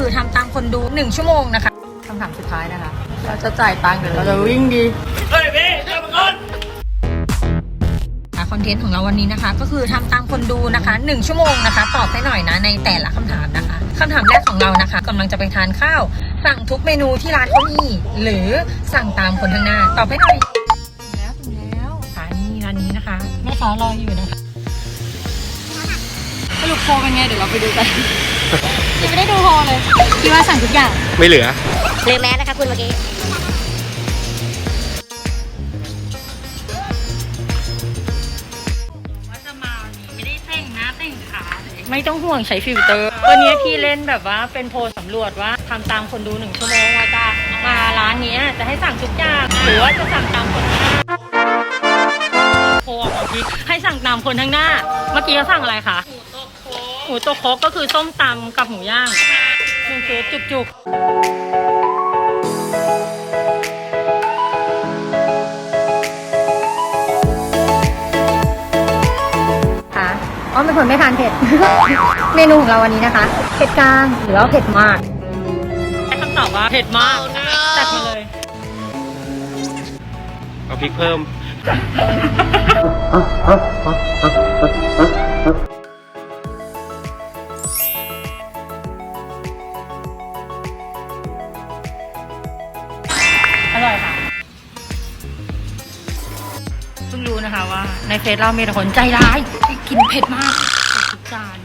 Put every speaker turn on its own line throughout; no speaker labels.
คือทำตามคนดู1 ชั่วโมงนะคะคำถามสุดท้ายนะคะเราจะจ่ายตังค์หรือเราจะวิ่งดีเฮ้ยพี่เจ้าก่อนคอนเทนต์ของเราวันนี้นะคะก็คือทำตามคนดูนะคะ1 ชั่วโมงนะคะตอบให้หน่อยนะในแต่ละคำถามนะคะคำถามแรกของเรานะคะกำลังจะไปทานข้าวสั่งทุกเมนูที่ร้านเขามีหรือสั่งตามคนข้างหน้าตอบให้หน่อยถึงแล้วค่ะนี่ร้านนี้นะคะแม่ค้ารออยู่นะคะสรุปโพลเป็นไงเดี๋ยวเราไปดูกันยังไม่ได้ดูโพลเลยคิดว่าสั่งทุกอย่าง
ไม่เหลือ
แมสนะคะคุณเมื่อกี้
ว่าจะมาวันนี้ไม่ได้แต่งหน้าแต่งขาเลยไม่ต้องห่วงใช้ฟิลเตอร์วันนี้พี่เล่นแบบว่าเป็นโพลสำรวจว่าทำตามคนดู1 ชั่วโมงว่าจะมาร้านนี้จะให้สั่งทุกอย่างหรือว่าจะสั่งตามคนข้างหน้าโพลออกมาพี่ให้สั่งตามคนข้างหน้าเมื่อกี้เขาสั่งอะไรคะหมูโตโคกก็คือส้มตำกับหมูย่าง1 ชุดจุกค่ะอ้อมเป็นคนไม่ทานเผ็ด เมนูของเราวันนี้นะคะเผ็ดกลางหรือว่าเผ็ดมากให้คำตอบว่าเผ็ดมากจัดมาเลย
เอาพริกเพิ่ม
อร่อยค่ะเพิ่งรู้นะคะว่าในเฟซเรามีแต่คนใจร้ายที่กินเผ็ดมากทุกจาน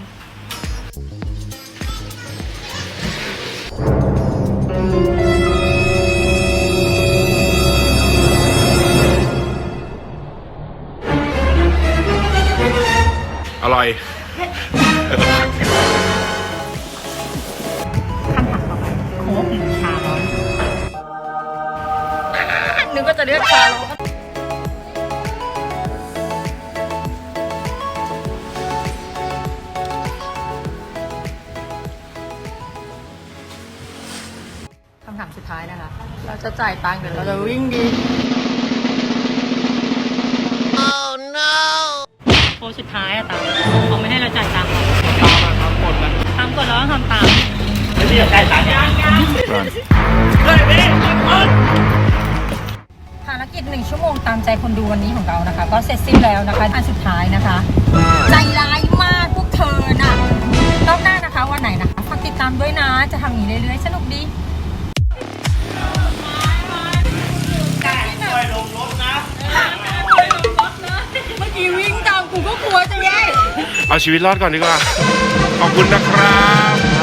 อร่อย
คำถามต่อไปโค้กหรือชาร้อนนึกว่าจะเลือกชาร้อนคำถามสุดท้ายนะคะเราจะจ่ายตังค์หรือเราจะวิ่งดี Oh no โพสสุดท้ายอะตามเขาไม่ให้เราจ่ายตังค์
ตามมาทำกดนะ
ตามกฎแล้วต้องทำตาม
ไม่ได้จ่ายตังค์ยังเฮ้ยพี่
ภารกิจ1 ชั่วโมงตามใจคนดูวันนี้ของเรานะคะก็เสร็จสิ้นแล้วนะคะอันสุดท้ายนะคะใจร้ายมากพวกเธอน่ะรอบหน้านะคะวันไหนนะคะฝากติดตามด้วยนะจะทำอย่างนี้เรื่อยๆสนุกดีเมื่อกี้วิ่งตามกูก็กลัวจะแย่
เอาชีวิตรอดก่อนดีกว่าขอบคุณนะครับ